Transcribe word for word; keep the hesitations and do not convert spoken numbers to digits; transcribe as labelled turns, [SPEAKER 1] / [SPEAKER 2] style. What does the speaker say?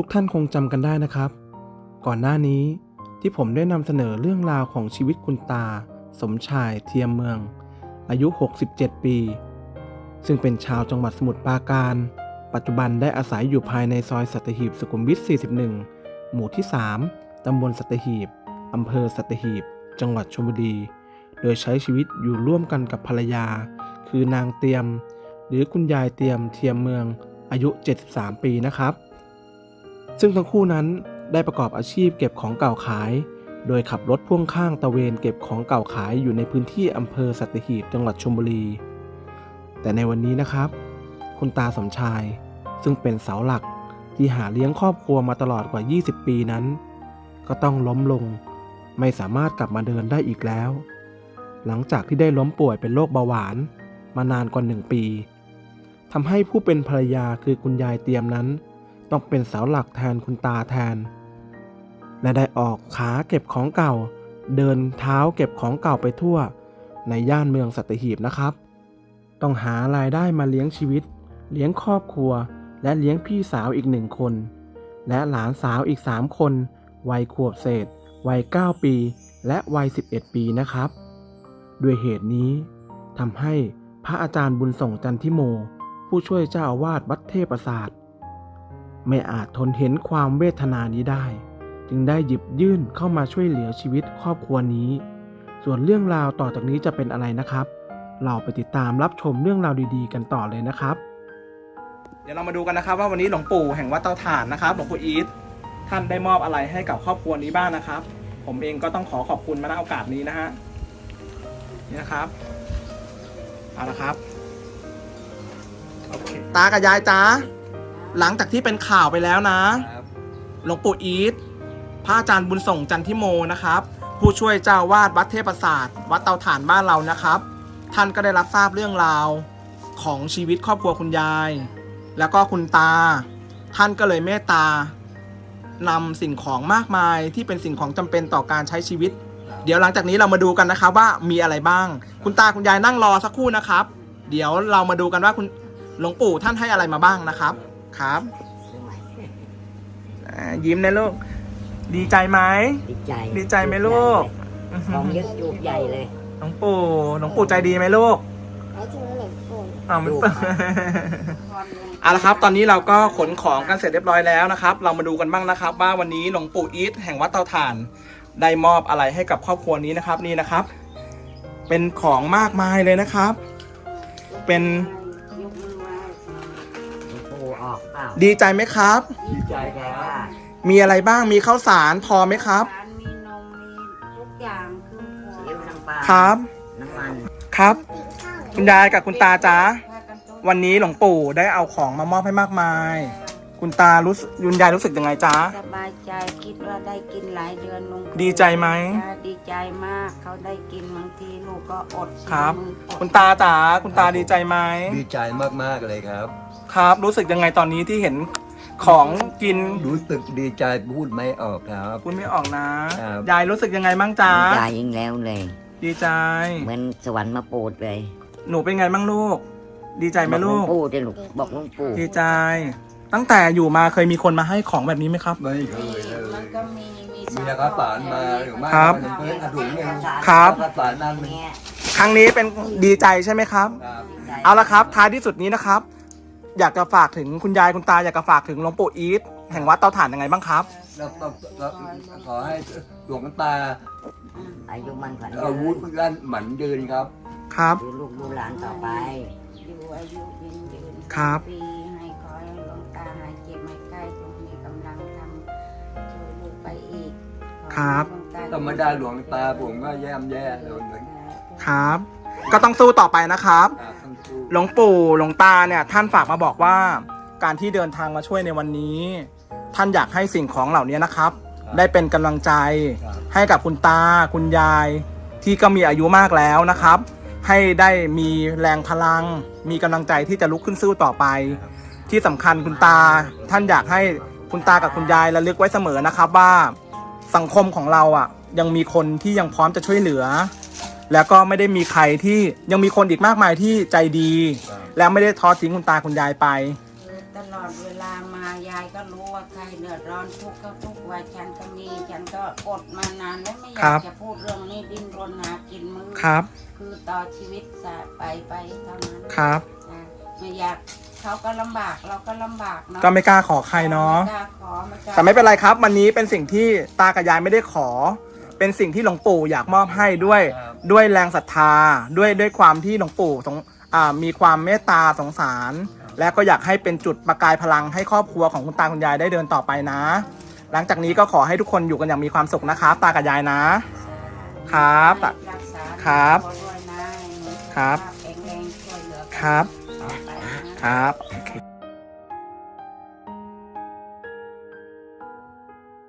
[SPEAKER 1] ทุกท่านคงจำกันได้นะครับก่อนหน้านี้ที่ผมได้นำเสนอเรื่องราวของชีวิตคุณตาสมชายเทียมเมืองอายุหกสิบเจ็ดปีซึ่งเป็นชาวจังหวัดสมุทรปราการปัจจุบันได้อาศัยอยู่ภายในซอยสัตหีบสุขุมวิทสี่สิบเอ็ดหมู่ที่สามตำบลสัตหีบอำเภอสัตหีบจังหวัดชลบุรีโดยใช้ชีวิตอยู่ร่วมกันกับภรรยาคือนางเตียมหรือคุณยายเตียมเทียมเมืองอายุเจ็ดสิบสามปีนะครับซึ่งทั้งคู่นั้นได้ประกอบอาชีพเก็บของเก่าขายโดยขับรถพ่วงข้างตะเวนเก็บของเก่าขายอยู่ในพื้นที่อำเภอสัตหีบจังหวัดชลบุรีแต่ในวันนี้นะครับคุณตาสมชายซึ่งเป็นเสาหลักที่หาเลี้ยงครอบครัวมาตลอดกว่ายี่สิบปีนั้นก็ต้องล้มลงไม่สามารถกลับมาเดินได้อีกแล้วหลังจากที่ได้ล้มป่วยเป็นโรคเบาหวานมานานกว่าหนึ่งปีทำให้ผู้เป็นภรรยาคือคุณยายเตียมนั้นต้องเป็นเสาหลักแทนคุณตาแทนและได้ออกขาเก็บของเก่าเดินเท้าเก็บของเก่าไปทั่วในย่านเมืองสัตหีบนะครับต้องหารายได้มาเลี้ยงชีวิตเลี้ยงครอบครัวและเลี้ยงพี่สาวอีกหนึ่งคนและหลานสาวอีกสามคนวัยขวบเศษวัยเก้าปีและวัยสิบเอ็ดปีนะครับด้วยเหตุนี้ทำให้พระอาจารย์บุญส่งจันทิโมผู้ช่วยเจ้าอาวาสวัดเทพศาสตร์ไม่อาจทนเห็นความเวทนานี้ได้จึงได้หยิบยื่นเข้ามาช่วยเหลือชีวิตครอบครัวนี้ส่วนเรื่องราวต่อจากนี้จะเป็นอะไรนะครับเราไปติดตามรับชมเรื่องราวดีๆกันต่อเลยนะครับเดี๋ยวเรามาดูกันนะครับว่าวันนี้หลวงปู่แห่งวัดเตาถ่านนะครับหลวงปู่อีทท่านได้มอบอะไรให้กับครอบครัวนี้บ้างนะครับผมเองก็ต้องขอขอบคุณมาณโอกาสนี้นะฮะนี่นะครับเอาละครับโอเคตากับยายจ้าหลังจากที่เป็นข่าวไปแล้วนะหลวงปู่อีทพระอาจารย์บุญส่งจันทิโมนะครับผู้ช่วยเจ้าวาดวัดเทพศาสตร์วัดเตาถ่านบ้านเรานะครับท่านก็ได้รับทราบเรื่องราวของชีวิตครอบครัวคุณยายแล้วก็คุณตาท่านก็เลยเมตตานำสิ่งของมากมายที่เป็นสิ่งของจำเป็นต่อการใช้ชีวิตเดี๋ยวหลังจากนี้เรามาดูกันนะครับว่ามีอะไรบ้างคุณตาคุณยายนั่งรอสักครู่นะครับเดี๋ยวเรามาดูกันว่าคุณหลวงปู่ท่านให้อะไรมาบ้างนะครับครับยิ้มนะลูกดีใจไหม
[SPEAKER 2] ดีใจ
[SPEAKER 1] ดีใจไหมลูก
[SPEAKER 2] ของเยอะจุกใหญ่เลย
[SPEAKER 1] หลวงปู่หลวงปู่ใจดีไหมลูกอ้าวมันเอาละครับตอนนี้เราก็ขนของกันเสร็จเรียบร้อยแล้วนะครับเรามาดูกันบ้างนะครับว่าวันนี้หลวงปู่อีทแห่งวัดเตาถ่านได้มอบอะไรให้กับครอบครัวนี้นะครับนี่นะครับเป็นของมากมายเลยนะครับเป็นดีใจไหมครับ
[SPEAKER 2] ดีใจครับ
[SPEAKER 1] มีอะไรบ้างมีข้าวสารพอไหมครับ
[SPEAKER 3] มีนมมีทุกอย่างคือ
[SPEAKER 2] เลี้ยวน้ำปลา
[SPEAKER 1] ครับ
[SPEAKER 2] น้ำมัน
[SPEAKER 1] ครับคุณยายกับคุณตาจ๋าวันนี้หลวงปู่ได้เอาของมามอบให้มากมายคุณตารู้คุณยายรู้สึกยังไงจ๊ะ
[SPEAKER 3] สบายใจคิดว่าได้กินหลายเดือนลุง
[SPEAKER 1] ดีใจไหม
[SPEAKER 3] ดีใจมากเขาได้กินบางทีลูกก็อด
[SPEAKER 1] ครับคุณตาจ๋าคุณตาดีใจไหม
[SPEAKER 4] ดีใจมากๆเลยครับ
[SPEAKER 1] ครับรู้สึกยังไงตอนนี้ที่เห็นของกิน
[SPEAKER 4] รู้สึกดีใจพูดไม่ออกครับ
[SPEAKER 1] พูดไม่ออกนะยายรู้สึกยังไงบ้างจ๊ะ
[SPEAKER 2] ดีใจยิ่งแล้วเลย
[SPEAKER 1] ดีใจ
[SPEAKER 2] เหมือนสวรรค์มาโปรดเลย
[SPEAKER 1] หนูเป็นไงบ้างลูกดีใจไหมลูก
[SPEAKER 2] บอกหลวงปู่ดิลูกบอกหลวงปู่
[SPEAKER 1] ดีใจตั้งแต่อยู่มาเคยมีคนมาให้ของแบบนี้ไหมครับ
[SPEAKER 4] ไม่เคยเลย
[SPEAKER 3] มันก็มี
[SPEAKER 4] มีข้าวสารมาหรือไม่
[SPEAKER 1] ครับ
[SPEAKER 4] ถุงนึง
[SPEAKER 1] ครับ
[SPEAKER 4] ข้าวสารนั่น
[SPEAKER 1] ครั้งนี้เป็นดีใจใช่ไหมครับเอาละครับท้ายที่สุดนี้นะครับอยากจะฝากถึงคุณยายคุณตาอยากจะฝากถึงหลวงปู่อีทแห่งวัดเตาถ่านยังไงบ้างครับ
[SPEAKER 4] เราขอให้หลวงตา
[SPEAKER 2] อายุมันขวัญ
[SPEAKER 4] อาวุธลั่นหมันยืนครับ
[SPEAKER 1] ครับ
[SPEAKER 2] ดูลูกดูหลานต่อไป
[SPEAKER 3] อยู่อายุยืนยืน
[SPEAKER 1] ครับ
[SPEAKER 3] ปีให้ขอให้หลวงตาหายเจ็บไม่ใกล้จงมีกำลังทำช่วยลูกไปอีก
[SPEAKER 1] ครับ
[SPEAKER 4] ธรรมดาหลวงตาผมก็แย่มแย่เลยเหมือน
[SPEAKER 1] ครับก็ต้องสู้ต่อไปนะครับหลวงปู่หลวงตาเนี่ยท่านฝากมาบอกว่าการที่เดินทางมาช่วยในวันนี้ท่านอยากให้สิ่งของเหล่านี้นะครับได้เป็นกำลังใจให้กับคุณตาคุณยายที่ก็มีอายุมากแล้วนะครับให้ได้มีแรงพลังมีกำลังใจที่จะลุกขึ้นสู้ต่อไปที่สำคัญคุณตาท่านอยากให้คุณตากับคุณยายระลึกไว้เสมอนะครับว่าสังคมของเราอ่ะยังมีคนที่ยังพร้อมจะช่วยเหลือแล้วก็ไม่ได้มีใครที่ยังมีคนอีกมากมายที่ใจดีแล้วไม่ได้ทอดทิ้งคุณตาคุณยายไป
[SPEAKER 3] ลอดเวลามายายก็รู้ว่าใครเดือดร้อนทุกข์ก็ทุกข์ว่าฉันก็มีฉันก็อดมานานแล้วไม่อยากจะพูดเรื่องนี้ดิ้นรนหากินมือ
[SPEAKER 1] ครับ
[SPEAKER 3] คือต่อชีวิตสะไปไปเท่านั้น
[SPEAKER 1] ครับ
[SPEAKER 3] อ่ะไม่อยากเขาก็ลำบากเราก็ลำบากเนาะ
[SPEAKER 1] ก็ไม่กล้าขอใครเนาะ
[SPEAKER 3] ไม่กล้าขอไม่กล้า
[SPEAKER 1] แต่ไม่เป็นไรครับ วันนี้เป็นสิ่งที่ตากับยายไม่ได้ขอ เป็นสิ่งที่หลวงปู่อยากมอบให้ด้วย
[SPEAKER 4] ครับ
[SPEAKER 1] ด้วยแรงศรัทธาด้วยด้วยความที่หลวงปู่สงอ่ามีความเมตตาสงสาร และก็อยากให้เป็นจุดประกายพลังให้ครอบครัวของคุณตาคุณยายได้เดินต่อไปนะ หลังจากนี้ก็ขอให้ทุกคนอยู่กันอย่างมีความสุขนะครับ ตากับยายนะ ครับ
[SPEAKER 3] รักษา
[SPEAKER 1] ครับ
[SPEAKER 3] ตัวด้วยนะ
[SPEAKER 1] ครับ
[SPEAKER 3] แข็งแรงช่วยเหลือกัน
[SPEAKER 1] ครับ
[SPEAKER 3] ต่อไปนะ
[SPEAKER 1] ครับโอเค